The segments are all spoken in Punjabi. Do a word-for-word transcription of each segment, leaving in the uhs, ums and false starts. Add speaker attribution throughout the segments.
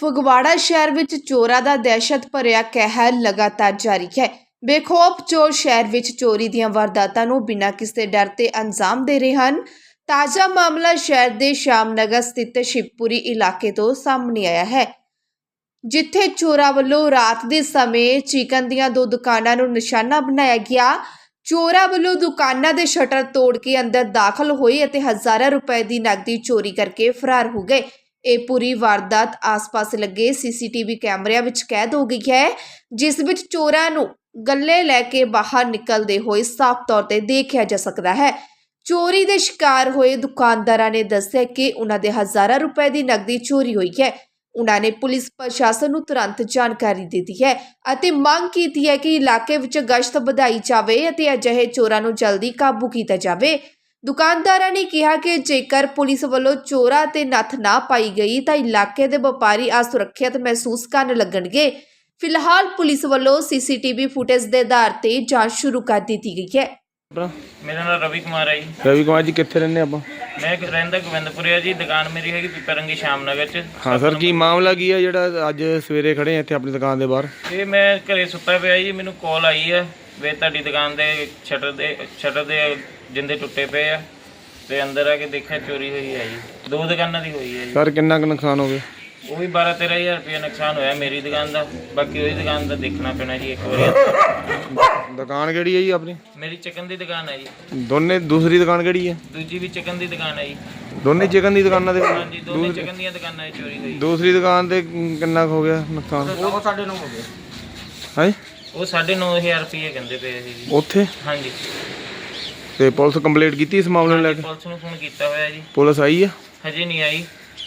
Speaker 1: ਫਗਵਾੜਾ ਸ਼ਹਿਰ ਵਿੱਚ ਚੋਰਾਂ ਦਾ ਦਹਿਸ਼ਤ ਭਰਿਆ ਕਹਿਰ ਲਗਾਤਾਰ ਜਾਰੀ ਹੈ। ਬੇਖੌਫ ਚੋਰ ਸ਼ਹਿਰ ਵਿੱਚ ਚੋਰੀ ਦੀਆਂ ਵਾਰਦਾਤਾਂ ਨੂੰ ਬਿਨਾਂ ਕਿਸੇ ਡਰ ਤੇ ਅੰਜਾਮ ਦੇ ਰਹੇ ਹਨ। ਤਾਜ਼ਾ ਮਾਮਲਾ ਸ਼ਹਿਰ ਦੇ ਸ਼ਾਮਨਗਰ ਸਥਿਤ ਸ਼ਿਵਪੁਰੀ ਇਲਾਕੇ ਤੋਂ ਸਾਹਮਣੇ ਆਇਆ ਹੈ, ਜਿੱਥੇ ਚੋਰਾਂ ਵੱਲੋਂ ਰਾਤ ਦੇ ਸਮੇਂ ਚਿਕਨ ਦੀਆਂ ਦੋ ਦੁਕਾਨਾਂ ਨੂੰ ਨਿਸ਼ਾਨਾ ਬਣਾਇਆ ਗਿਆ। ਚੋਰਾਂ ਵੱਲੋਂ ਦੁਕਾਨਾਂ ਦੇ ਸ਼ਟਰ ਤੋੜ ਕੇ ਅੰਦਰ ਦਾਖਲ ਹੋਏ ਅਤੇ ਹਜ਼ਾਰਾਂ ਰੁਪਏ ਦੀ ਨਕਦੀ ਚੋਰੀ ਕਰਕੇ ਫਰਾਰ ਹੋ ਗਏ। ਇਹ ਪੂਰੀ ਵਾਰਦਾਤ ਆਸ-ਪਾਸ ਲੱਗੇ ਸੀਸੀਟੀਵੀ ਕੈਮਰਿਆਂ ਵਿੱਚ ਕੈਦ ਹੋ ਗਈ ਹੈ, ਜਿਸ ਵਿੱਚ ਚੋਰਾਂ ਨੂੰ ਗੱਲੇ ਲੈ ਕੇ ਬਾਹਰ ਨਿਕਲਦੇ ਹੋਏ ਸਾਫ਼ ਤੌਰ ਤੇ ਦੇਖਿਆ ਜਾ ਸਕਦਾ ਹੈ। ਚੋਰੀ ਦੇ ਸ਼ਿਕਾਰ ਹੋਏ ਦੁਕਾਨਦਾਰਾਂ ਨੇ ਦੱਸਿਆ ਕਿ ਉਹਨਾਂ ਦੇ ਹਜ਼ਾਰਾਂ ਰੁਪਏ ਦੀ ਨਕਦੀ ਚੋਰੀ ਹੋਈ ਹੈ। ਉਹਨਾਂ ਨੇ ਪੁਲਿਸ ਪ੍ਰਸ਼ਾਸਨ ਨੂੰ ਤੁਰੰਤ ਜਾਣਕਾਰੀ ਦਿੱਤੀ ਹੈ ਅਤੇ ਮੰਗ ਕੀਤੀ ਹੈ ਕਿ ਇਲਾਕੇ ਵਿੱਚ ਗਸ਼ਤ ਵਧਾਈ ਜਾਵੇ ਅਤੇ ਅਜਿਹੇ ਚੋਰਾਂ ਨੂੰ ਜਲਦੀ ਕਾਬੂ ਕੀਤਾ ਜਾਵੇ। ਦੁਕਾਨਦਾਰਾਂ ਨੇ ਕਿਹਾ ਕਿ ਜੇਕਰ ਪੁਲਿਸ ਵੱਲੋਂ ਚੋਰਾਂ ਤੇ ਨੱਥ ਨਾ ਪਾਈ ਗਈ ਤਾਂ ਇਲਾਕੇ ਦੇ ਵਪਾਰੀ ਅਸੁਰੱਖਿਅਤ ਮਹਿਸੂਸ ਕਰਨ ਲੱਗਣਗੇ। ਫਿਲਹਾਲ ਪੁਲਿਸ ਵੱਲੋਂ ਸੀਸੀਟੀਵੀ ਫੁਟੇਜ ਦੇ ਆਧਾਰ ਤੇ ਜਾਂਚ ਸ਼ੁਰੂ ਕਰ ਦਿੱਤੀ ਗਈ ਹੈ।
Speaker 2: ਮੇਰਾ ਨਾਮ ਰਵੀ ਕੁਮਾਰ ਹੈ ਜੀ।
Speaker 3: ਰਵੀ ਕੁਮਾਰ ਜੀ ਕਿੱਥੇ ਰਹਿੰਦੇ ਆਪਾਂ?
Speaker 2: ਮੈਂ ਰਹਿੰਦਾ ਗੋਬਿੰਦਪੁਰੇ ਜੀ। ਦੁਕਾਨ ਮੇਰੀ ਹੈਗੀ ਪਿਪਰੰਗੀ ਸ਼ਾਮਨਗਰ ਚ।
Speaker 3: ਹਾਂ ਸਰ, ਕੀ ਮਾਮਲਾ ਕੀ ਹੈ ਜਿਹੜਾ ਅੱਜ ਸਵੇਰੇ ਖੜੇ ਆ ਇੱਥੇ ਆਪਣੀ ਦੁਕਾਨ ਦੇ ਬਾਹਰ?
Speaker 2: ਇਹ ਮੈਂ ਘਰੇ ਸੁੱਤਾ ਪਿਆ ਜੀ, ਮੈਨੂੰ ਕਾਲ ਆਈ ਹੈ ਵੀ ਤੁਹਾਡੀ ਦੁਕਾਨ ਦੇ ਸ਼ਟਰ ਦੇ ਸ਼ਟਰ ਦੇ ਜਿੰਦੇ ਟੁੱਟੇ ਪਏ ਆ ਤੇ ਅੰਦਰ ਆ ਕੇ ਦੇਖਿਆ ਚੋਰੀ ਹੋਈ ਹੈ ਜੀ। ਦੋ ਦੁਕਾਨਾਂ ਦੀ ਹੋਈ ਹੈ ਜੀ।
Speaker 3: ਸਰ ਕਿੰਨਾ ਕੁ ਨੁਕਸਾਨ ਹੋ ਗਿਆ?
Speaker 2: ਉਹ ਵੀ ਬਾਰਾਂ ਤੇਰਾਂ ਹਜ਼ਾਰ ਰੁਪਇਆ ਨੁਕਸਾਨ ਹੋਇਆ ਮੇਰੀ ਦੁਕਾਨ ਦਾ। ਬਾਕੀ ਉਹਦੀ ਦੁਕਾਨ ਦਾ ਦੇਖਣਾ ਪੈਣਾ ਜੀ ਇੱਕ ਵਾਰੀ।
Speaker 3: ਦੁਕਾਨ ਕਿਹੜੀ ਹੈ ਜੀ ਆਪਣੀ?
Speaker 2: ਮੇਰੀ ਚਿਕਨ ਦੀ ਦੁਕਾਨ ਹੈ ਜੀ।
Speaker 3: ਦੋਨੇ? ਦੂਸਰੀ ਦੁਕਾਨ ਕਿਹੜੀ ਹੈ?
Speaker 2: ਦੂਜੀ ਵੀ ਚਿਕਨ ਦੀ ਦੁਕਾਨ ਹੈ ਜੀ।
Speaker 3: ਦੋਨੇ ਚਿਕਨ ਦੀ ਦੁਕਾਨਾਂ ਦੇ?
Speaker 2: ਹਾਂਜੀ, ਦੋਨੇ ਚਿਕਨ ਦੀਆਂ ਦੁਕਾਨਾਂ 'ਚ ਚੋਰੀ ਹੋਈ।
Speaker 3: ਦੂਸਰੀ ਦੁਕਾਨ ਤੇ ਕਿੰਨਾ ਕੁ ਹੋ ਗਿਆ ਨੁਕਸਾਨ?
Speaker 2: ਉਹ ਸਾਢੇ ਨੌ ਹੋ ਗਿਆ।
Speaker 3: ਹਾਂਜੀ,
Speaker 2: ਉਹ ਸਾਢੇ ਨੌ ਹਜ਼ਾਰ ਰੁਪਏ ਕਹਿੰਦੇ ਪਏ ਸੀ ਜੀ
Speaker 3: ਉੱਥੇ।
Speaker 2: ਹਾਂਜੀ,
Speaker 3: ਤੇ ਪੁਲਿਸ ਕੰਪਲੇਂਟ ਕੀਤੀ ਇਸ ਮਾਮਲੇ ਨੂੰ ਲੈ ਕੇ?
Speaker 2: ਪੁਲਿਸ ਨੂੰ ਫੋਨ ਕੀਤਾ ਹੋਇਆ ਜੀ।
Speaker 3: ਪੁਲਿਸ ਆਈ ਆ?
Speaker 2: ਹਜੇ ਨਹੀਂ ਆਈ।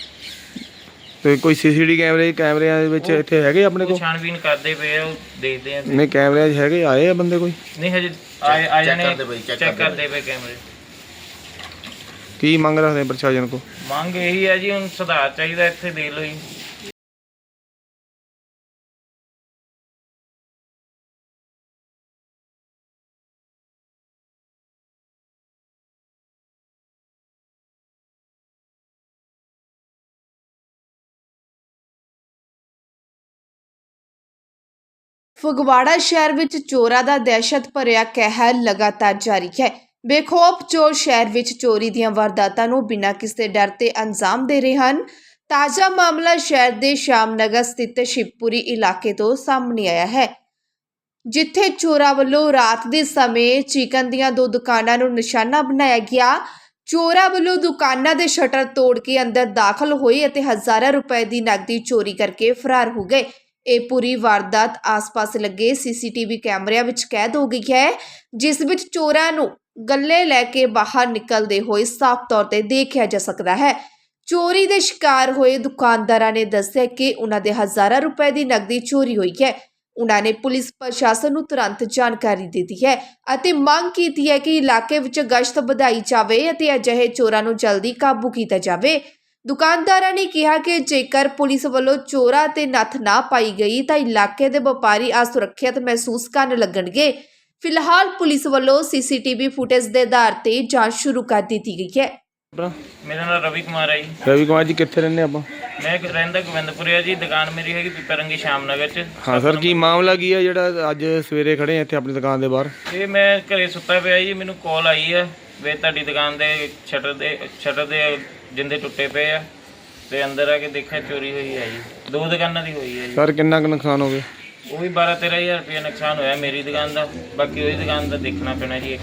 Speaker 3: ਤੇ ਕੋਈ ਸੀਸੀਟੀਵੀ ਕੈਮਰੇ ਕੈਮਰਿਆਂ ਦੇ ਵਿੱਚ ਇੱਥੇ ਹੈਗੇ ਆਪਣੇ ਕੋਲ?
Speaker 2: ਛਾਣਬੀਨ ਕਰਦੇ ਪਏ ਆ, ਉਹ ਦੇਖਦੇ ਆ।
Speaker 3: ਨਹੀਂ, ਕੈਮਰਿਆਂ 'ਚ ਹੈਗੇ? ਆਏ ਆ ਬੰਦੇ ਕੋਈ?
Speaker 2: ਨਹੀਂ ਹਜੇ ਆਏ ਆ ਜਾਣੇ, ਚੈੱਕ ਕਰਦੇ ਪਏ ਕੈਮਰੇ।
Speaker 3: ਕੀ ਮੰਗ ਰੱਖਦੇ ਪ੍ਰਸ਼ਾਸਨ ਕੋ?
Speaker 2: ਮੰਗ ਇਹੀ ਹੈ ਜੀ, ਹੁਣ ਸੁਧਾਰ ਚਾਹੀਦਾ ਇੱਥੇ, ਦੇਖ ਲਓ ਜੀ।
Speaker 1: ਫਗਵਾੜਾ ਸ਼ਹਿਰ ਵਿੱਚ ਚੋਰਾਂ ਦਾ ਦਹਿਸ਼ਤ ਭਰਿਆ ਕਹਿਰ ਲਗਾਤਾਰ ਜਾਰੀ ਹੈ। ਬੇਖੌਫ ਚੋਰ ਸ਼ਹਿਰ ਵਿੱਚ ਚੋਰੀ ਦੀਆਂ ਵਾਰਦਾਤਾਂ ਨੂੰ ਬਿਨਾਂ ਕਿਸੇ ਡਰ ਤੇ ਅੰਜਾਮ ਦੇ ਰਹੇ ਹਨ। ਤਾਜ਼ਾ ਮਾਮਲਾ ਸ਼ਹਿਰ ਦੇ ਸ਼ਾਮਨਗਰ ਸਥਿਤ ਸ਼ਿਵਪੁਰੀ ਇਲਾਕੇ ਤੋਂ ਸਾਹਮਣੇ ਆਇਆ ਹੈ, ਜਿੱਥੇ ਚੋਰਾਂ ਵੱਲੋਂ ਰਾਤ ਦੇ ਸਮੇਂ ਚਿਕਨ ਦੀਆਂ ਦੋ ਦੁਕਾਨਾਂ ਨੂੰ ਨਿਸ਼ਾਨਾ ਬਣਾਇਆ ਗਿਆ। ਚੋਰਾਂ ਵੱਲੋਂ ਦੁਕਾਨਾਂ ਦੇ ਸ਼ਟਰ ਤੋੜ ਕੇ ਅੰਦਰ ਦਾਖਲ ਹੋਏ ਅਤੇ ਹਜ਼ਾਰਾਂ ਰੁਪਏ ਦੀ ਨਕਦੀ ਚੋਰੀ ਕਰਕੇ ਫਰਾਰ ਹੋ ਗਏ। ਇਹ ਪੂਰੀ ਵਾਰਦਾਤ ਆਸ-ਪਾਸ ਲੱਗੇ ਸੀਸੀਟੀਵੀ ਕੈਮਰਿਆਂ ਵਿੱਚ ਕੈਦ ਹੋ ਗਈ ਹੈ, ਜਿਸ ਵਿੱਚ ਚੋਰਾਂ ਨੂੰ ਗੱਲੇ ਲੈ ਕੇ ਬਾਹਰ ਨਿਕਲਦੇ ਹੋਏ ਸਾਫ਼ ਤੌਰ ਤੇ ਦੇਖਿਆ ਜਾ ਸਕਦਾ ਹੈ। ਚੋਰੀ ਦੇ ਸ਼ਿਕਾਰ ਹੋਏ ਦੁਕਾਨਦਾਰਾਂ ਨੇ ਦੱਸਿਆ ਕਿ ਉਹਨਾਂ ਦੇ ਹਜ਼ਾਰਾਂ ਰੁਪਏ ਦੀ ਨਕਦੀ ਚੋਰੀ ਹੋਈ ਹੈ। ਉਹਨਾਂ ਨੇ ਪੁਲਿਸ ਪ੍ਰਸ਼ਾਸਨ ਨੂੰ ਤੁਰੰਤ ਜਾਣਕਾਰੀ ਦਿੱਤੀ ਹੈ ਅਤੇ ਮੰਗ ਕੀਤੀ ਹੈ ਕਿ ਇਲਾਕੇ ਵਿੱਚ ਗਸ਼ਤ ਵਧਾਈ ਜਾਵੇ ਅਤੇ ਅਜਿਹੇ ਚੋਰਾਂ ਨੂੰ ਜਲਦੀ ਕਾਬੂ ਕੀਤਾ ਜਾਵੇ। ਦੁਕਾਨਦਾਰਾਂ ਨੇ ਕਿਹਾ ਕਿ ਜੇਕਰ ਪੁਲਿਸ ਵੱਲੋਂ ਚੋਰਾਂ ਤੇ ਨੱਥ ਨਾ ਪਾਈ ਗਈ ਤਾਂ ਇਲਾਕੇ ਦੇ ਵਪਾਰੀ ਅਸੁਰੱਖਿਅਤ ਮਹਿਸੂਸ ਕਰਨ ਲੱਗਣਗੇ। ਫਿਲਹਾਲ ਪੁਲਿਸ ਵੱਲੋਂ ਸੀਸੀਟੀਵੀ ਫੁਟੇਜ ਦੇ ਆਧਾਰ ਤੇ ਜਾਂਚ ਸ਼ੁਰੂ ਕਰ ਦਿੱਤੀ ਗਈ ਹੈ।
Speaker 2: ਮੇਰਾ ਨਾਮ ਰਵੀ ਕੁਮਾਰ ਹੈ ਜੀ।
Speaker 3: ਰਵੀ ਕੁਮਾਰ ਜੀ ਕਿੱਥੇ ਰਹਿੰਦੇ ਆਪਾਂ?
Speaker 2: ਮੈਂ ਰਹਿੰਦਾ ਗੋਬਿੰਦਪੁਰੇ ਜੀ। ਦੁਕਾਨ ਮੇਰੀ ਹੈਗੀ ਪਿਪਰੰਗੀ ਸ਼ਾਮਨਗਰ ਚ।
Speaker 3: ਹਾਂ ਸਰ, ਕੀ ਮਾਮਲਾ ਕੀ ਹੈ ਜਿਹੜਾ ਅੱਜ ਸਵੇਰੇ ਖੜੇ ਆ ਇੱਥੇ ਆਪਣੀ ਦੁਕਾਨ ਦੇ ਬਾਹਰ?
Speaker 2: ਇਹ ਮੈਂ ਘਰੇ ਸੁੱਤਾ ਪਿਆ ਜੀ, ਮੈਨੂੰ ਕਾਲ ਆਈ ਹੈ ਵੀ ਤੁਹਾਡੀ ਦੁਕਾਨ ਦੇ ਸ਼ਟਰ ਦੇ ਸ਼ਟਰ ਦੇ ਜਿੰਦੇ ਟੁੱਟੇ ਪਏ ਆ ਤੇ ਅੰਦਰ ਆ ਕੇ ਦੇਖਿਆ ਚੋਰੀ ਹੋਈ ਹੈ ਜੀ। ਦੋ ਦੁਕਾਨਾਂ ਦੀ ਹੋਈ ਹੈ ਜੀ।
Speaker 3: ਸਰ ਕਿੰਨਾ ਕੁ ਨੁਕਸਾਨ ਹੋ ਗਿਆ?
Speaker 2: ਉਹ ਵੀ ਬਾਰਾਂ ਤੇਰਾਂ ਹਜ਼ਾਰ ਰੁਪਇਆ ਨੁਕਸਾਨ ਹੋਇਆ ਮੇਰੀ ਦੁਕਾਨ ਦਾ। ਬਾਕੀ ਉਹਦੀ ਦੁਕਾਨ ਦਾ ਦੇਖਣਾ ਪੈਣਾ ਜੀ ਇੱਕ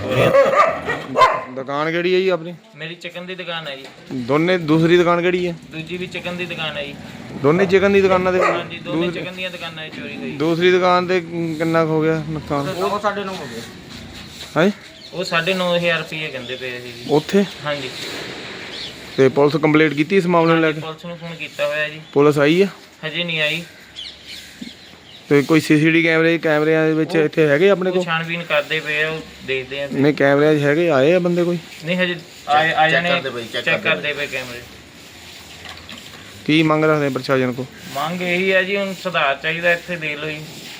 Speaker 2: ਵਾਰੀ।
Speaker 3: ਦੁਕਾਨ ਕਿਹੜੀ ਹੈ ਜੀ ਆਪਣੀ?
Speaker 2: ਮੇਰੀ ਚਿਕਨ ਦੀ ਦੁਕਾਨ ਹੈ ਜੀ।
Speaker 3: ਦੋਨੇ? ਦੂਸਰੀ ਦੁਕਾਨ ਕਿਹੜੀ ਹੈ?
Speaker 2: ਦੂਜੀ ਵੀ ਚਿਕਨ ਦੀ ਦੁਕਾਨ ਹੈ ਜੀ।
Speaker 3: ਦੋਨੇ ਚਿਕਨ ਦੀ ਦੁਕਾਨਾਂ ਦੇ?
Speaker 2: ਹਾਂਜੀ, ਦੋਨੇ ਚਿਕਨ ਦੀਆਂ ਦੁਕਾਨਾਂ 'ਚ ਚੋਰੀ ਹੋਈ।
Speaker 3: ਦੂਸਰੀ ਦੁਕਾਨ ਤੇ ਕਿੰਨਾ ਕੁ ਹੋ ਗਿਆ ਨੁਕਸਾਨ?
Speaker 2: ਉਹ ਸਾਢੇ ਨੌ ਹੋ ਗਿਆ।
Speaker 3: ਹਾਂਜੀ,
Speaker 2: ਉਹ ਸਾਢੇ ਨੌ ਹਜ਼ਾਰ ਰੁਪਏ ਕਹਿੰਦੇ ਪਏ ਸੀ ਜੀ
Speaker 3: ਉੱਥੇ।
Speaker 2: ਹਾਂਜੀ,
Speaker 3: ਤੇ ਪੁਲਿਸ ਕੰਪਲੇਂਟ ਕੀਤੀ ਇਸ ਮਾਮਲੇ ਨੂੰ ਲੈ ਕੇ?
Speaker 2: ਪੁਲਿਸ ਨੂੰ ਫੋਨ ਕੀਤਾ ਹੋਇਆ ਜੀ।
Speaker 3: ਪੁਲਿਸ ਆਈ ਆ?
Speaker 2: ਹਜੇ ਨਹੀਂ ਆਈ।
Speaker 3: ਤੇ ਕੋਈ ਸੀਸੀਟੀਵੀ ਕੈਮਰੇ ਕੈਮਰਿਆਂ ਦੇ ਵਿੱਚ ਇੱਥੇ ਹੈਗੇ ਆਪਣੇ ਕੋਲ?
Speaker 2: ਛਾਣਬੀਨ ਕਰਦੇ ਪਏ ਆ, ਉਹ ਦੇਖਦੇ ਆ।
Speaker 3: ਨਹੀਂ, ਕੈਮਰਿਆਂ 'ਚ ਹੈਗੇ? ਆਏ ਆ ਬੰਦੇ ਕੋਈ?
Speaker 2: ਨਹੀਂ ਹਜੇ ਆਏ ਆ ਜਾਣੇ, ਚੈੱਕ ਕਰਦੇ ਪਏ ਕੈਮਰੇ।
Speaker 3: ਕੀ ਮੰਗ ਰੱਖਦੇ ਪ੍ਰਸ਼ਾਸਨ ਕੋ?
Speaker 2: ਮੰਗ ਇਹੀ ਹੈ ਜੀ, ਹੁਣ ਸੁਧਾਰ ਚਾਹੀਦਾ ਇੱਥੇ, ਦੇਖ ਲਓ ਜੀ।